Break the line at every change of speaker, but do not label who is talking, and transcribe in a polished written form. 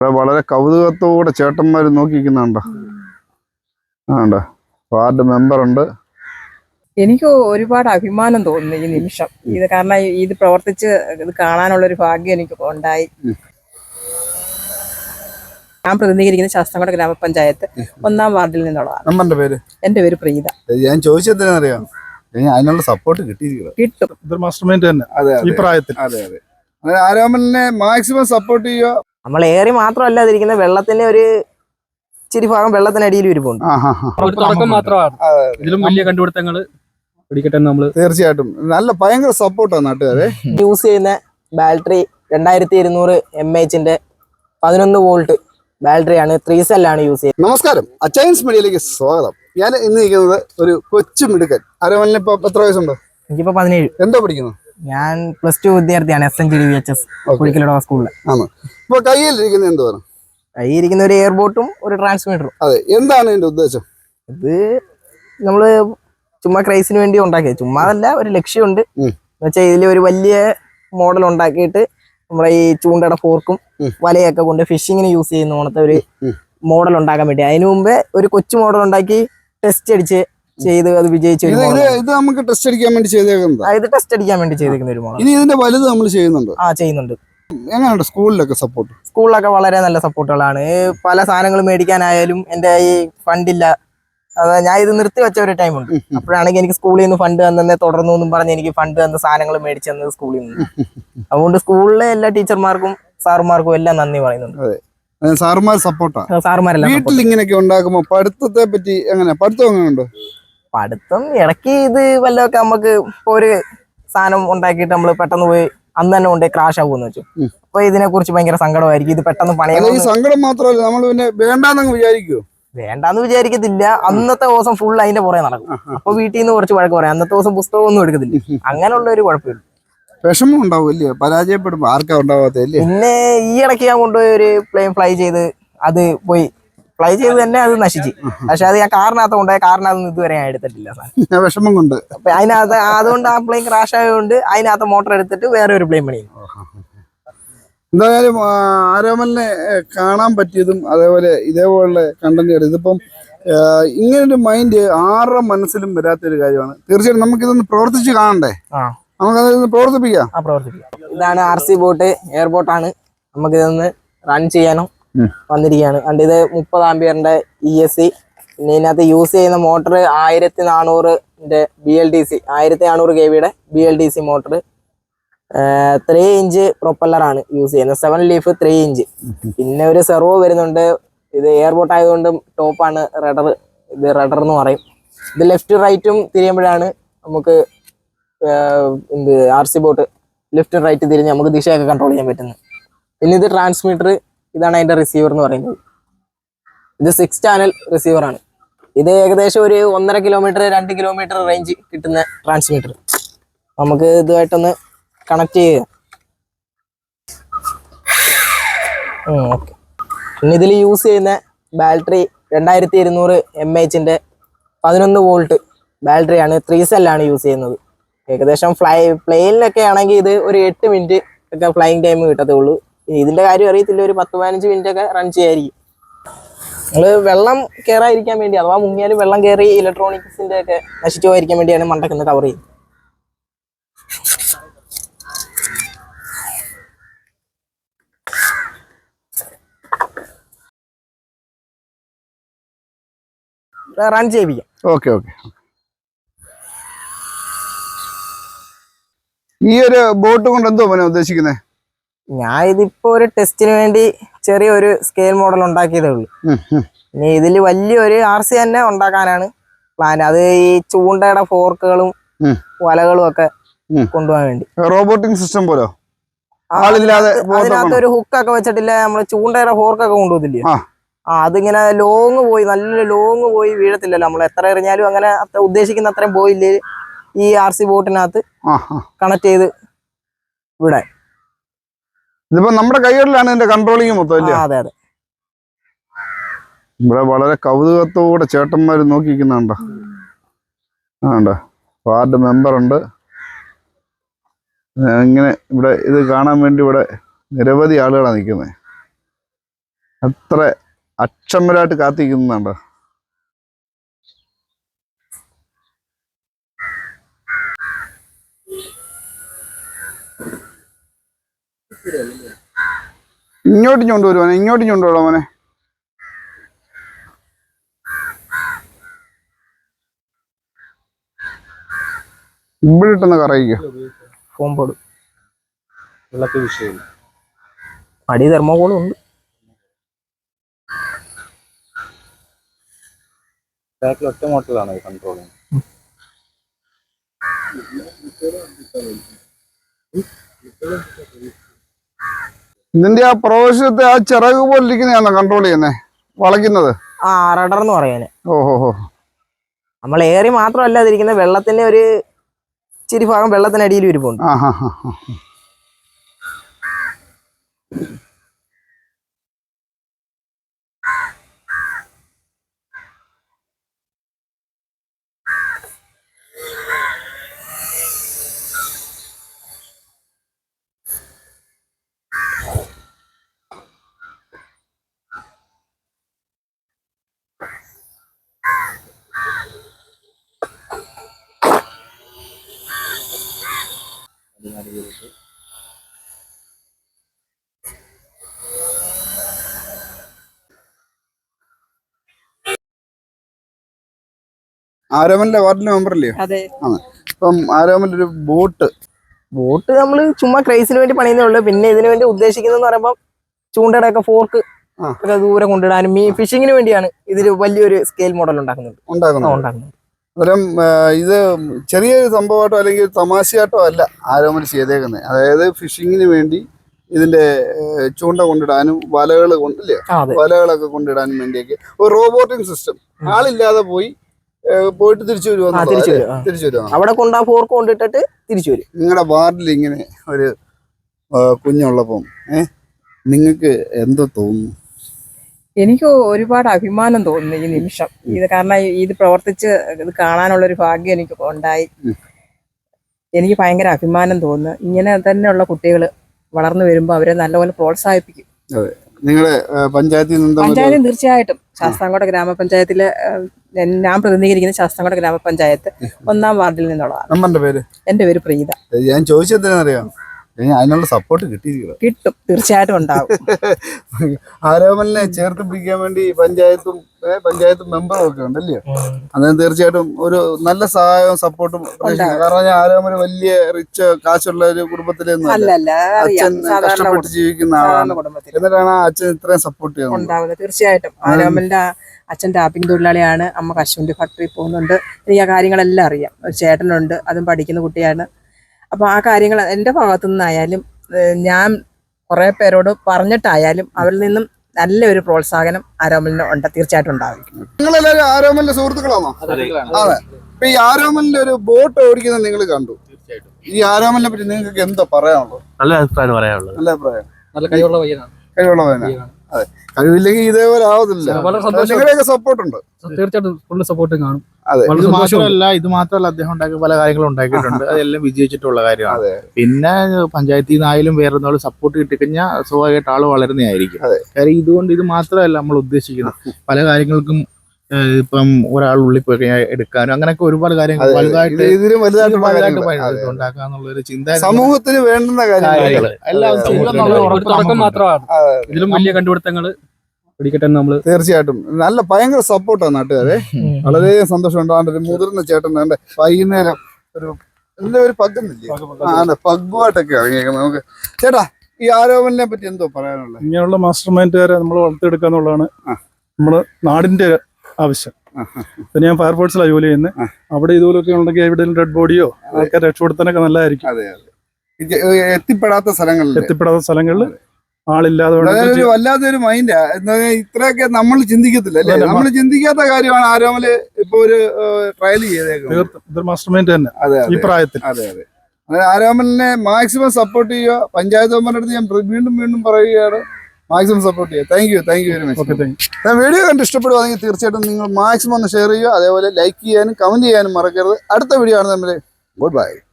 വളരെ കൗതുകത്തോടെ ചേട്ടന്മാർ നോക്കിക്കുന്നുണ്ടോ? ആണ്ടോ വാർഡ് മെമ്പറുണ്ട്.
എനിക്ക് ഒരുപാട് അഭിമാനം തോന്നുന്നു ഈ നിമിഷം. ഇത് കാരണം ഇത് പ്രവർത്തിച്ച് ഇത് കാണാനുള്ളൊരു ഭാഗ്യം എനിക്ക് ഉണ്ടായി. ഞാൻ പ്രതിനിധീകരിക്കുന്ന ശാസ്താംകോട്ട ഗ്രാമപഞ്ചായത്ത് 1-ാം വാർഡിൽ നിന്നുള്ളതാണ്. എന്റെ പേര് പ്രീത.
ഞാൻ ചോദിച്ചറിയാം, അതിനുള്ള സപ്പോർട്ട്
കിട്ടും.
മാസ്റ്റർ മൈൻഡ് തന്നെ ഈ പ്രായത്തിൽ. അതെ ആരോമലിനെ മാക്സിമം സപ്പോർട്ട് ചെയ്യുക.
നമ്മൾ ഏറി മാത്രമല്ല അതിരിക്കുന്ന വെള്ളത്തിന്റെ ഒരു ഇച്ചിരി ഭാഗം വെള്ളത്തിനടിയിൽ ഇരിപ്പുണ്ട്.
തുടക്കം മാത്രമാണ്. ഇതിലും വലിയ കണ്ടുപിടുത്തങ്ങൾ
തീർച്ചയായിട്ടും നല്ല ഭയങ്കര സപ്പോർട്ടാണ് നാട്ടുകാരെ.
യൂസ് ചെയ്യുന്ന ബാറ്ററി 2200 mAh 11 വോൾട്ട് ബാറ്ററിയാണ്. 3 സെല്ലാണ് യൂസ് ചെയ്യുന്നത്.
നമസ്കാരം, അച്ചയൻസ് മീഡിയയിലേക്ക് സ്വാഗതം. ഞാൻ ഇന്ന് നിൽക്കുന്നത് ഒരു കൊച്ചു മിടുക്കൻ. ആരോമലിന് ഇപ്പൊ എത്ര വയസ്സുണ്ടോ?
എനിക്കിപ്പോ 17.
എന്താ പഠിക്കുന്നത്?
ഞാൻ +2 വിദ്യാർത്ഥിയാണ്. SNGDVHS കുഴിക്കലോട സ്കൂളില്.
ആണ്. ഇപ്പൊ കയ്യിലിരിക്കുന്നത് എന്തുവാണ്?
കയ്യിരിക്കുന്ന ഒരു എയർബോട്ടും ഒരു ട്രാൻസ്മിറ്ററും.
അതെ, എന്താണ് ഇതിന്റെ ഉദ്ദേശം?
ഇത് നമ്മള് ചുമ്മാ ക്രൈസിന് വേണ്ടി ഉണ്ടാക്കിയത്. ചുമ്മാതല്ല, ഒരു ലക്ഷ്യമുണ്ട്. എന്നുവെച്ചാൽ ഇതിൽ ഒരു വലിയ മോഡൽ ഉണ്ടാക്കിയിട്ട് നമ്മുടെ ഈ ചൂണ്ടയുടെ ഫോർക്കും വലയൊക്കെ കൊണ്ട് ഫിഷിങ്ങിന് യൂസ് ചെയ്യുന്ന പോണത്തെ ഒരു മോഡൽ ഉണ്ടാക്കാൻ വേണ്ടി. അതിനു മുമ്പേ ഒരു കൊച്ചു മോഡൽ ഉണ്ടാക്കി ടെസ്റ്റ് അടിച്ച് ചെയ്ത് അത് വിജയിച്ചു.
ഇത് നമുക്ക് ടെസ്റ്റ് അടിക്കാൻ വേണ്ടി ചെയ്തേക്കുന്നത്.
ഇത് ടെസ്റ്റ് അടിക്കാൻ വേണ്ടി ചെയ്തേക്കുന്ന ഒരു മോഡൽ.
ഇനി ഇതിന്റെ വലുത് നമ്മൾ ചെയ്യുന്നുണ്ട്.
ചെയ്യുന്നുണ്ട്.
എങ്ങനെയുണ്ട് സ്കൂളിലൊക്കെ സപ്പോർട്ട്?
സ്കൂളിലൊക്കെ വളരെ നല്ല സപ്പോർട്ടുകളാണ്. പല സാധനങ്ങൾ മേടിക്കാനായാലും എൻ്റെ ഈ ഫണ്ടില്ല, ഞാൻ ഇത് നിർത്തി വെച്ച ഒരു ടൈമുണ്ട്. അപ്പോഴാണെങ്കിൽ എനിക്ക് സ്കൂളിൽ നിന്ന് ഫണ്ട് തന്നെ തുടർന്നു എന്നും പറഞ്ഞ് എനിക്ക് ഫണ്ട് തന്ന സാധനങ്ങൾ മേടിച്ചു തന്നത് സ്കൂളിൽ നിന്ന്. അതുകൊണ്ട് സ്കൂളിലെ എല്ലാ ടീച്ചർമാർക്കും സാറുമാർക്കും എല്ലാം നന്ദി പറയുന്നുണ്ട്.
സാറുമാർ സപ്പോർട്ടാണ്.
സാറുമാരെല്ലാം
വീട്ടിൽ ഇങ്ങനെയൊക്കെ ഉണ്ടാക്കുമ്പോ പഠിത്തത്തെ പറ്റി എങ്ങനെ? പഠിത്തം എങ്ങനെയുണ്ട്?
പഠിത്തം ഇടയ്ക്ക് ഇത് വല്ലതൊക്കെ നമുക്ക് ഇപ്പൊ ഒരു സാധനം ഉണ്ടാക്കിയിട്ട് നമ്മൾ പെട്ടെന്ന് പോയി അന്ന് തന്നെ കൊണ്ടേ ക്രാഷ് ആകുമെന്ന് വെച്ചു. അപ്പൊ ഇതിനെ കുറിച്ച് ഭയങ്കര സങ്കടമായിരിക്കും. ഇത് പെട്ടെന്ന് പണിയാൻ.
ഈ സങ്കടം മാത്രമല്ല, നമ്മൾ പിന്നെ വേണ്ടാന്നങ്ങ് വിചാരിക്കുവോ?
വേണ്ടാന്ന് വിചാരിക്കത്തില്ല. അന്നത്തെ ദിവസം ഫുൾ അതിന്റെ പുറകെ നടക്കും. അപ്പൊ വീട്ടിൽ നിന്ന് കുറച്ച് വഴക്ക് പറയാം. അന്നത്തെ ദിവസം പുസ്തകമൊന്നും എടുക്കത്തില്ല. അങ്ങനെയുള്ള ഒരു കുഴപ്പമില്ല.
വിഷമം ഉണ്ടാവും അല്ലേ? പരാജയപ്പെടുമ്പോ ആർക്കാ ഉണ്ടാവാത്തല്ലേ?
പിന്നെ ഈ ഇടയ്ക്ക് ഞാൻ കൊണ്ടുപോയി ഒരു പ്ലെയിൻ ഫ്ലൈ ചെയ്ത് അത് പോയി ഫ്ലൈ ചെയ്ത് തന്നെ അത് നശിച്ച്. പക്ഷെ അത് ഞാൻ കാറിനകത്ത് കൊണ്ടുപോയ കാറിനകത്ത് ഇതുവരെ ഞാൻ എടുത്തിട്ടില്ല.
വിഷമം കൊണ്ട്
അപ്പൊ അതിനകത്ത് അതുകൊണ്ട് ആ പ്ലെയിൻ ക്രാഷ് ആയതുകൊണ്ട് അതിനകത്ത് മോട്ടർ എടുത്തിട്ട് വേറെ ഒരു പ്ലെയിൻ പണിയും.
എന്തായാലും ആരോമലിനെ കാണാൻ പറ്റിയതും അതേപോലെ ഇതേപോലെ കണ്ടന്റ്. ഇതിപ്പം ഇങ്ങനൊരു മൈൻഡ് ആരുടെ മനസ്സിലും വരാത്തൊരു കാര്യമാണ്. തീർച്ചയായിട്ടും നമുക്കിതൊന്ന് പ്രവർത്തിച്ച് കാണണ്ടേ? നമുക്കതൊന്ന് പ്രവർത്തിപ്പിക്കാം.
ഇതാണ് RC ബോട്ട്, എയർബോട്ടാണ്. നമുക്കിതൊന്ന് റൺ ചെയ്യാനോ വന്നിരിക്കുകയാണ്. കണ്ട് ഇത് 30 ആംപിയറിന്റെ ESC. പിന്നെ ഇതിനകത്ത് യൂസ് ചെയ്യുന്ന മോട്ടർ 1400 BLDC 1400 kV BLDC മോട്ടർ. 3 ഇഞ്ച് പ്രൊപ്പല്ലറാണ് യൂസ് ചെയ്യുന്നത്. 7 ലീഫ് 3 ഇഞ്ച്. പിന്നെ ഒരു സെർവോ വരുന്നുണ്ട്. ഇത് എയർബോട്ട് ആയതുകൊണ്ട് ടോപ്പാണ് റഡർ. ഇത് റഡർ എന്ന് പറയും. ഇത് ലെഫ്റ്റ് റൈറ്റും തിരിയുമ്പോഴാണ് നമുക്ക് RC ബോട്ട് ലെഫ്റ്റ് റൈറ്റ് തിരിഞ്ഞ് നമുക്ക് ദിശയൊക്കെ കൺട്രോൾ ചെയ്യാൻ പറ്റുന്നത്. പിന്നെ ഇത് ട്രാൻസ്മിറ്റർ. ഇതാണ് അതിന്റെ റിസീവർ എന്ന് പറയുന്നത്. ഇത് 6 ചാനൽ റിസീവറാണ്. ഇത് ഏകദേശം ഒരു 1.5 കിലോമീറ്റർ 2 കിലോമീറ്റർ റേഞ്ച് കിട്ടുന്ന ട്രാൻസ്മിറ്റർ. നമുക്ക് ഇതുമായിട്ടൊന്ന് കണക്ട് ചെയ്യുക. ഓക്കെ. പിന്നെ ഇതിൽ യൂസ് ചെയ്യുന്ന ബാറ്ററി 2200 mAh 11 വോൾട്ട് ബാറ്ററിയാണ്. 3 സെല്ലാണ് യൂസ് ചെയ്യുന്നത്. ഏകദേശം പ്ലെയിനിലൊക്കെ ആണെങ്കിൽ ഇത് ഒരു 8 മിനിറ്റ് ഒക്കെ ഫ്ലൈയിങ് ടൈം കിട്ടത്തേ ഉള്ളൂ. ഇതിന്റെ കാര്യം അറിയത്തില്ല, ഒരു 10-15 മിനിറ്റ് ഒക്കെ റൺ ചെയ്യായിരിക്കും. നമ്മള് വെള്ളം കയറാതിരിക്കാൻ വേണ്ടി, അഥവാ മുങ്ങിയാലും വെള്ളം കയറി ഇലക്ട്രോണിക്സിന്റെ ഒക്കെ നശിച്ചു പോയിരിക്കാൻ വേണ്ടിയാണ് മണ്ടക്കുന്ന കവർ ചെയ്യുന്നത്. റൺ ചെയ്യിപ്പിക്കാം.
ഓക്കെ. ഈ ഒരു ബോട്ട് കൊണ്ട് എന്തോ ഉദ്ദേശിക്കുന്നത്?
ഞാൻ ഇതിപ്പോ ഒരു ടെസ്റ്റിന് വേണ്ടി ചെറിയൊരു സ്കെയിൽ മോഡൽ ഉണ്ടാക്കിയതേ ഉള്ളൂ. ഇനി ഇതിൽ വലിയൊരു RC തന്നെ ഉണ്ടാക്കാനാണ് പ്ലാൻ. അത് ഈ ചൂണ്ടയുടെ ഫോർക്കുകളും വലകളും ഒക്കെ കൊണ്ടുപോകാൻ വേണ്ടി.
റോബോട്ടിക് സിസ്റ്റം പോലെ
അതിനകത്ത് ഒരു ഹുക്കൊക്കെ വെച്ചിട്ടില്ല, നമ്മള് ചൂണ്ടയുടെ ഫോർക്കൊക്കെ കൊണ്ടുപോകത്തില്ലേ? അതിങ്ങനെ നല്ലൊരു ലോങ് പോയി വീഴത്തില്ലല്ലോ. നമ്മൾ എത്ര എറിഞ്ഞാലും അങ്ങനെ ഉദ്ദേശിക്കുന്ന അത്രയും പോയില്ലേ ഈ RC ബോട്ടിനകത്ത് കണക്ട് ചെയ്ത് വിടാൻ.
ഇതിപ്പോ നമ്മുടെ കൈകളിലാണ് ഇതിന്റെ കൺട്രോളിങ് മൊത്തം.
അതെ.
ഇവിടെ വളരെ കൗതുകത്തോടെ ചേട്ടന്മാർ നോക്കിക്കുന്നുണ്ടോ? വാർഡ് മെമ്പറുണ്ട്. ഇങ്ങനെ ഇവിടെ ഇത് കാണാൻ വേണ്ടി ഇവിടെ നിരവധി ആളുകളാണ് നിൽക്കുന്നത്. അത്ര അക്ഷമരായിട്ട് കാത്തിരിക്കുന്നുണ്ടോ? ഇങ്ങോട്ട് കൊണ്ടുവരുവാനെ, ഇങ്ങോട്ട് കൊണ്ടുപോകാം മോനെ. ഇവിടെ ഇട്ടെന്ന് കറയിക്കോ.
ഫോംബോർഡ് വെള്ളത്തിൽ വിഷയമില്ല, അടി തെർമോകോളും ഉണ്ട്.
ഒറ്റ മോട്ടറിലാണ് കൺട്രോൾ.
ഇതിന്റെ ആ പ്രവേശത്തെ ആ ചിറക് പോലെ ഇരിക്കുന്നതാണോ കൺട്രോൾ ചെയ്യുന്നേ, വളയ്ക്കുന്നത്?
ആ റഡർ എന്ന് പറയാന്.
ഓഹോ.
നമ്മൾ ഏറി മാത്രമല്ല അതിരിക്കുന്നത്, വെള്ളത്തിന്റെ ഒരു ഇച്ചിരി ഭാഗം വെള്ളത്തിനടിയിൽ ഇരിപ്പുണ്ട്.
ആ ഹാ. ആരോമലിന്റെ വാർഡിലെ മെമ്പറല്ലയോ?
അതെ.
ആണ്. ഇപ്പം ആരോമലൊരു ബോട്ട്
നമ്മൾ ചുമ്മാ ക്രൈസിന് വേണ്ടി പണിയുന്നേ ഉള്ളൂ. പിന്നെ ഇതിനു വേണ്ടി ഉദ്ദേശിക്കുന്നതെന്ന് പറയുമ്പോൾ ചൂണ്ടയുടെ ഒക്കെ ഫോർക്ക് ഒക്കെ ദൂരെ കൊണ്ടിടാനും ഈ ഫിഷിങ്ങിന് വേണ്ടിയാണ് ഇതിൽ വലിയൊരു സ്കെയിൽ മോഡൽ ഉണ്ടാക്കുന്നത്.
അന്നേരം ഇത് ചെറിയൊരു സംഭവമായിട്ടോ അല്ലെങ്കിൽ തമാശയായിട്ടോ അല്ല ആരോമൽ ചെയ്തേക്കുന്നത്. അതായത് ഫിഷിങ്ങിന് വേണ്ടി ഇതിന്റെ ചൂണ്ട കൊണ്ടിടാനും വലകൾ കൊണ്ടില്ലേ, വലകളൊക്കെ കൊണ്ടിടാനും വേണ്ടിയൊക്കെ ഒരു റോബോട്ടിക് സിസ്റ്റം. ആളില്ലാതെ പോയിട്ട് തിരിച്ചു വരുവാ.
അവിടെ കൊണ്ട് ആ ഫോർക്ക് കൊണ്ടിട്ടിട്ട് തിരിച്ചു വരും.
നിങ്ങളുടെ വാർഡിൽ ഇങ്ങനെ ഒരു കുഞ്ഞുള്ളപ്പം നിങ്ങൾക്ക് എന്തോ തോന്നുന്നു?
എനിക്ക് ഒരുപാട് അഭിമാനം തോന്നുന്നു ഈ നിമിഷം. ഇത് കാരണം ഇത് പ്രവർത്തിച്ച് ഇത് കാണാനുള്ളൊരു ഭാഗ്യം എനിക്ക് ഉണ്ടായി. എനിക്ക് ഭയങ്കര അഭിമാനം തോന്നുന്നു. ഇങ്ങനെ തന്നെയുള്ള കുട്ടികൾ വളർന്നു വരുമ്പോൾ അവരെ നല്ലപോലെ പ്രോത്സാഹിപ്പിക്കും.
നിങ്ങളുടെ പഞ്ചായത്തിൽ
തീർച്ചയായിട്ടും ശാസ്താംകോട്ട ഗ്രാമപഞ്ചായത്തിലെ ഞാൻ പ്രതിനിധീകരിക്കുന്ന ശാസ്താംകോട്ട ഗ്രാമപഞ്ചായത്ത് 1-ാം വാർഡിൽ നിന്നുള്ളതാണ്. എന്റെ പേര് പ്രീത.
ഞാൻ ചോദിച്ചതിനറിയാം, അതിനുള്ള സപ്പോർട്ട്
കിട്ടും, തീർച്ചയായിട്ടും ഉണ്ടാവും.
ആരോമലിനെ ചേർത്ത് പിടിക്കാൻ വേണ്ടി പഞ്ചായത്തും മെമ്പറും ഒക്കെ ഉണ്ടല്ലേ? അന്നേരം തീർച്ചയായിട്ടും ഒരു നല്ല സഹായവും സപ്പോർട്ടും. കാരണം ആരോമൽ വലിയ റിച്ച് കാശുള്ള ഒരു കുടുംബത്തിലെ അച്ഛൻ കഷ്ടപ്പെട്ട് ജീവിക്കുന്ന ആളാണ്. എന്നിട്ടാണ് ആ അച്ഛൻ ഇത്രയും സപ്പോർട്ട് ചെയ്യുന്നത്.
തീർച്ചയായിട്ടും ആരോമലിന്റെ അച്ഛൻ ടാപ്പിംഗ് തൊഴിലാളിയാണ്, അമ്മ കശുവണ്ടി ഫാക്ടറി പോകുന്നുണ്ട്. എനിക്ക് ആ കാര്യങ്ങളെല്ലാം അറിയാം. ഒരു ചേട്ടനുണ്ട്, അതും പഠിക്കുന്ന കുട്ടിയാണ്. അപ്പോൾ ആ കാര്യങ്ങൾ എൻ്റെ ഭാഗത്തു നിന്നായാലും ഞാൻ കുറേ പേരോട് പറഞ്ഞിട്ടായാലും അവരിൽ നിന്നും നല്ലൊരു പ്രോത്സാഹനം ആരോമലിന് ഉണ്ട്, തീർച്ചയായിട്ടും ഉണ്ടാവും.
നിങ്ങളെല്ലാവരും ആരോമലിന്റെ സുഹൃത്തുക്കളാണോ? അതെ. ഇപ്പൊ ഈ ആരോമലിന്റെ ഒരു ബോട്ട് ഓടിക്കുന്നത് നിങ്ങൾ കണ്ടു. ഈ ആരോമലിനെ പറ്റി നിങ്ങൾക്ക് എന്താ പറയാനുള്ളത്?
നല്ല അഭിപ്രായം പറയാനുള്ളത്.
നല്ല അഭിപ്രായം.
നല്ല കഴിവുള്ള പയ്യനാണ്.
അതെ, കഴിവില്ലെങ്കിൽ ഇതേപോലെ ആവത്തില്ല. നിങ്ങളുടെയൊക്കെ സപ്പോർട്ട് ഉണ്ട്.
തീർച്ചയായിട്ടും ഫുള്ള് സപ്പോർട്ട് കാണും.
ഇത് മാത്രമല്ല അദ്ദേഹം ഉണ്ടാക്കിയ പല കാര്യങ്ങളും ഉണ്ടാക്കിയിട്ടുണ്ട്. അതെല്ലാം വിജയിച്ചിട്ടുള്ള കാര്യമാണ്. പിന്നെ പഞ്ചായത്തിൽ നിന്നായാലും വേറെ ഒന്നും സപ്പോർട്ട് കിട്ടിക്കഴിഞ്ഞാൽ സ്വാഭാവികമായിട്ട് ആള് വളരുന്നതായിരിക്കും. കാര്യം ഇതുകൊണ്ട് ഇത് മാത്രമല്ല നമ്മൾ ഉദ്ദേശിക്കുന്നത്, പല കാര്യങ്ങൾക്കും ഇപ്പം ഒരാൾ ഉള്ളിൽ പോയി കഴിഞ്ഞാൽ എടുക്കാനും അങ്ങനെയൊക്കെ ഒരുപാട് കാര്യങ്ങൾ വലുതായിട്ട് ഉണ്ടാക്കാന്നുള്ളൊരു ചിന്ത
സമൂഹത്തിന് വേണ്ടുന്ന കാര്യങ്ങൾ
തുടക്കം മാത്രമാണ്. ഇതിലും വലിയ കണ്ടുപിടുത്തങ്ങൾ പിടിക്കട്ടെ നമ്മള്.
തീർച്ചയായിട്ടും നല്ല ഭയങ്കര സപ്പോർട്ടാണ് നാട്ടുകാരെ. വളരെ സന്തോഷമുണ്ട്. ഒരു മുതിർന്ന ചേട്ടൻ വൈകുന്നേരം ഒരു പഗ്ഗുന്നില്ലേ, പഗ്ഗുമായിട്ടൊക്കെ ഇറങ്ങിയേക്കുന്നത്. നമുക്ക് ചേട്ടാ, ഈ ആരോപണനെ പറ്റി എന്തോ പറയാനുള്ളത്?
ഇങ്ങനെയുള്ള മാസ്റ്റർ മൈൻഡുകാരെ നമ്മൾ വളർത്തിയെടുക്കുക എന്നുള്ളതാണ് നമ്മുടെ നാടിന്റെ ആവശ്യം. പിന്നെ ഞാൻ ഫയർഫോഴ്സിലാണ് ജോലി ചെയ്യുന്നത്. അവിടെ ഇതുപോലൊക്കെ ഉണ്ടെങ്കിൽ എവിടെയും ഡെഡ് ബോഡിയോ ആൾക്കാർ രക്ഷപ്പെടുത്താനൊക്കെ നല്ലതായിരിക്കും.
എത്തിപ്പെടാത്ത
സ്ഥലങ്ങളിൽ ആളില്ലാതെ
വല്ലാത്തൊരു മൈൻഡാ. ഇത്രയൊക്കെ നമ്മൾ ചിന്തിക്കത്തില്ല അല്ലേ? നമ്മൾ ചിന്തിക്കാത്ത കാര്യമാണ് ആരോമല് ഇപ്പൊ ഒരു ട്രയൽ ചെയ്തേക്കുന്നത്.
മാസ്റ്റർ മൈൻഡ് തന്നെ ഈ പ്രായത്തിൽ.
അതെ. ആരോമലിനെ മാക്സിമം സപ്പോർട്ട് ചെയ്യുക. പഞ്ചായത്ത് മെമ്പറിന്റെ അടുത്ത് ഞാൻ വീണ്ടും പറയുകയാണ്, മാക്സിമം സപ്പോർട്ട് ചെയ്യുക. Thank you very much. Video കണ്ട് ഇഷ്ടപ്പെടുവാണെങ്കിൽ തീർച്ചയായിട്ടും നിങ്ങൾ മാക്സിമം ഒന്ന് ഷെയർ ചെയ്യുക. അതേപോലെ ലൈക്ക് ചെയ്യാനും കമന്റ് ചെയ്യാനും മറക്കരുത്. അടുത്ത വീഡിയോ ആണ് നമ്മൾ. Good by.